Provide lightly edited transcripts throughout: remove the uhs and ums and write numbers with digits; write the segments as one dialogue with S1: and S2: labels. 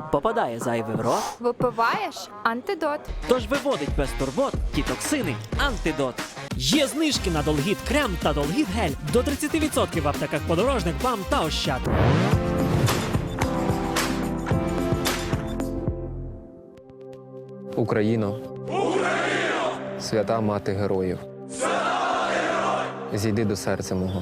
S1: попадає зайве в рот,
S2: Випиваєш антидот.
S1: тож виводить без турбот ті токсини антидот.
S3: Є знижки на Долгіт крем та Долгіт гель до 30% в аптеках Подорожник, БАМ та Ощад.
S4: Україно! Свята мати героїв! Зійди до серця мого!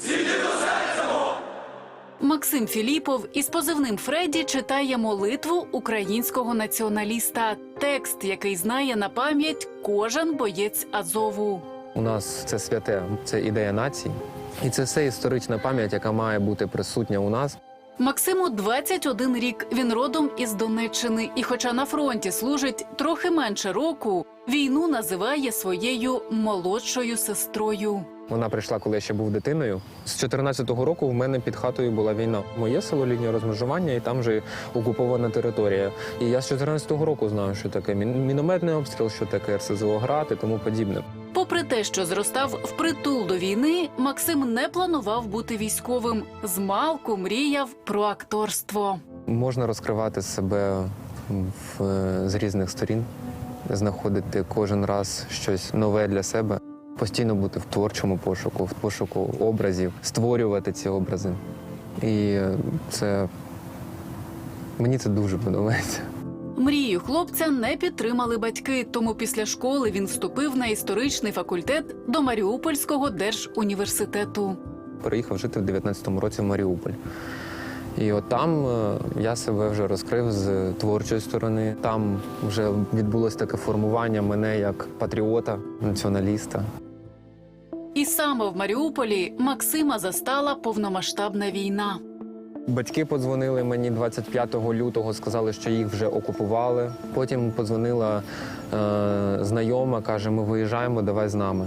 S5: Максим Філіпов із позивним Фредді читає молитву українського націоналіста. Текст, який знає на пам'ять кожен боєць Азову.
S4: У нас це святе, це ідея нації. І це все історична пам'ять, яка має бути присутня у нас.
S5: Максиму 21 рік, він родом із Донеччини. І хоча на фронті служить трохи менше року, війну називає своєю молодшою сестрою.
S4: Вона прийшла, коли я ще був дитиною. З 14-го року в мене під хатою була війна. Моє село, лінія розмежування, і там же окупована територія. І я з 14-го року знаю, що таке мінометний обстріл, що таке РСЗО град і тому подібне.
S5: Попри те, що зростав впритул до війни, Максим не планував бути військовим. Змалку мріяв про акторство.
S4: Можна розкривати себе з різних сторін, знаходити кожен раз щось нове для себе. Постійно бути в творчому пошуку, в пошуку образів, створювати ці образи. І мені це дуже подобається.
S5: Мрію хлопця не підтримали батьки, тому після школи він вступив на історичний факультет до Маріупольського держуніверситету.
S4: Переїхав жити в 19-му році в Маріуполь. І от там я себе вже розкрив з творчої сторони. Там вже відбулось таке формування мене як патріота, націоналіста.
S5: І саме в Маріуполі Максима застала повномасштабна війна.
S4: Батьки подзвонили мені 25 лютого, сказали, що їх вже окупували. Потім подзвонила знайома, каже, ми виїжджаємо, давай з нами.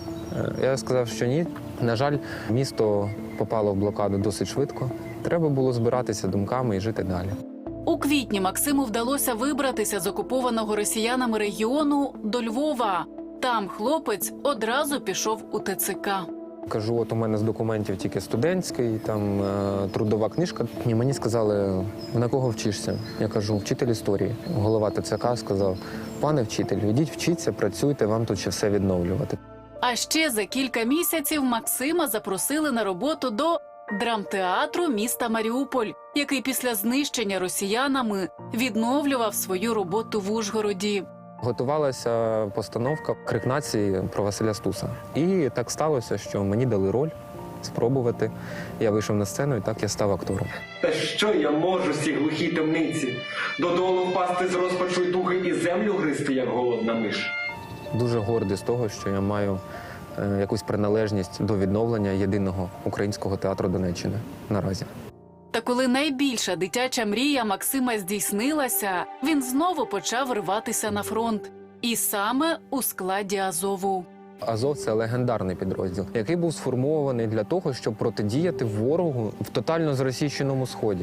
S4: Я сказав, що ні. На жаль, місто попало в блокаду досить швидко. Треба було збиратися думками і жити далі.
S5: У квітні Максиму вдалося вибратися з окупованого росіянами регіону до Львова. Там хлопець одразу пішов у ТЦК.
S4: Кажу, от у мене з документів тільки студентський, там трудова книжка. І мені сказали, на кого вчишся? Я кажу, вчитель історії. Голова ТЦК сказав, пане вчитель, ідіть вчіться, працюйте, вам тут ще все відновлювати.
S5: А ще за кілька місяців Максима запросили на роботу до драмтеатру міста Маріуполь, який після знищення росіянами відновлював свою роботу в Ужгороді.
S4: Готувалася постановка «Крик нації» про Василя Стуса. І так сталося, що мені дали роль спробувати. Я вийшов на сцену і так я став актором.
S6: Та що я можу з цій глухій темниці? Додолу впасти з розпачу й туги і землю гризти, як голодна миш.
S4: Дуже гордий з того, що я маю якусь приналежність до відновлення єдиного українського театру Донеччини наразі.
S5: Та коли найбільша дитяча мрія Максима здійснилася, він знову почав рватися на фронт. І саме у складі Азову.
S4: Азов – це легендарний підрозділ, який був сформований для того, щоб протидіяти ворогу в тотально зросійщеному Сході.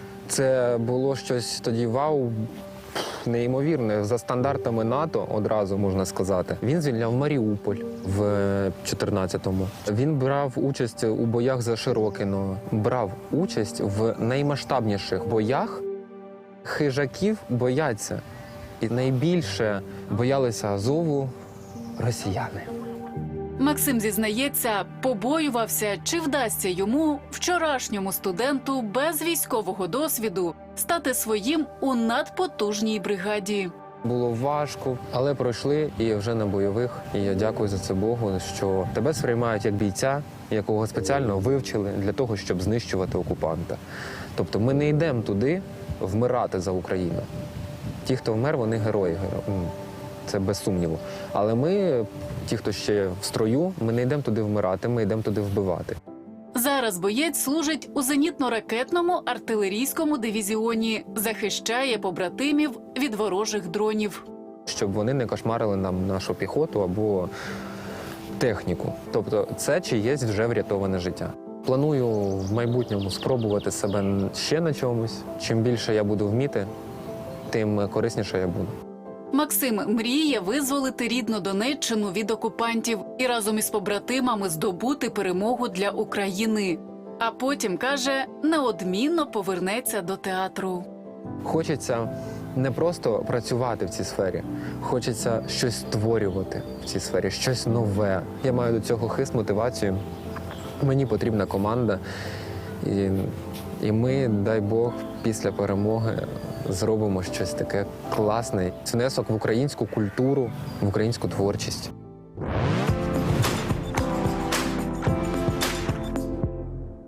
S4: Це було щось тоді вау, неймовірне. За стандартами НАТО, одразу можна сказати. Він звільняв Маріуполь в 14-му. Він брав участь у боях за Широкино. Брав участь в наймасштабніших боях. Хижаків бояться. І найбільше боялися Азову росіяни.
S5: Максим зізнається, побоювався, чи вдасться йому, вчорашньому студенту без військового досвіду, стати своїм у надпотужній бригаді.
S4: Було важко, але пройшли і вже на бойових. І я дякую за це Богу, що тебе сприймають як бійця, якого спеціально вивчили для того, щоб знищувати окупанта. Тобто ми не йдемо туди вмирати за Україну. Ті, хто вмер, вони герої. Це без сумніву. Але ми, ті, хто ще в строю, ми не йдемо туди вмирати, ми йдемо туди вбивати.
S5: Зараз боєць служить у зенітно-ракетному артилерійському дивізіоні, захищає побратимів від ворожих дронів.
S4: Щоб вони не кошмарили нам нашу піхоту або техніку. Тобто це чиєсь вже врятоване життя. Планую в майбутньому спробувати себе ще на чомусь. Чим більше я буду вміти, тим корисніше я буду.
S5: Максим мріє визволити рідну Донеччину від окупантів і разом із побратимами здобути перемогу для України. А потім, каже, неодмінно повернеться до театру.
S4: Хочеться не просто працювати в цій сфері, хочеться щось створювати в цій сфері, щось нове. Я маю до цього хист, мотивацію. Мені потрібна команда. І ми, дай Бог, після перемоги зробимо щось таке класне. Це внесок в українську культуру, в українську творчість.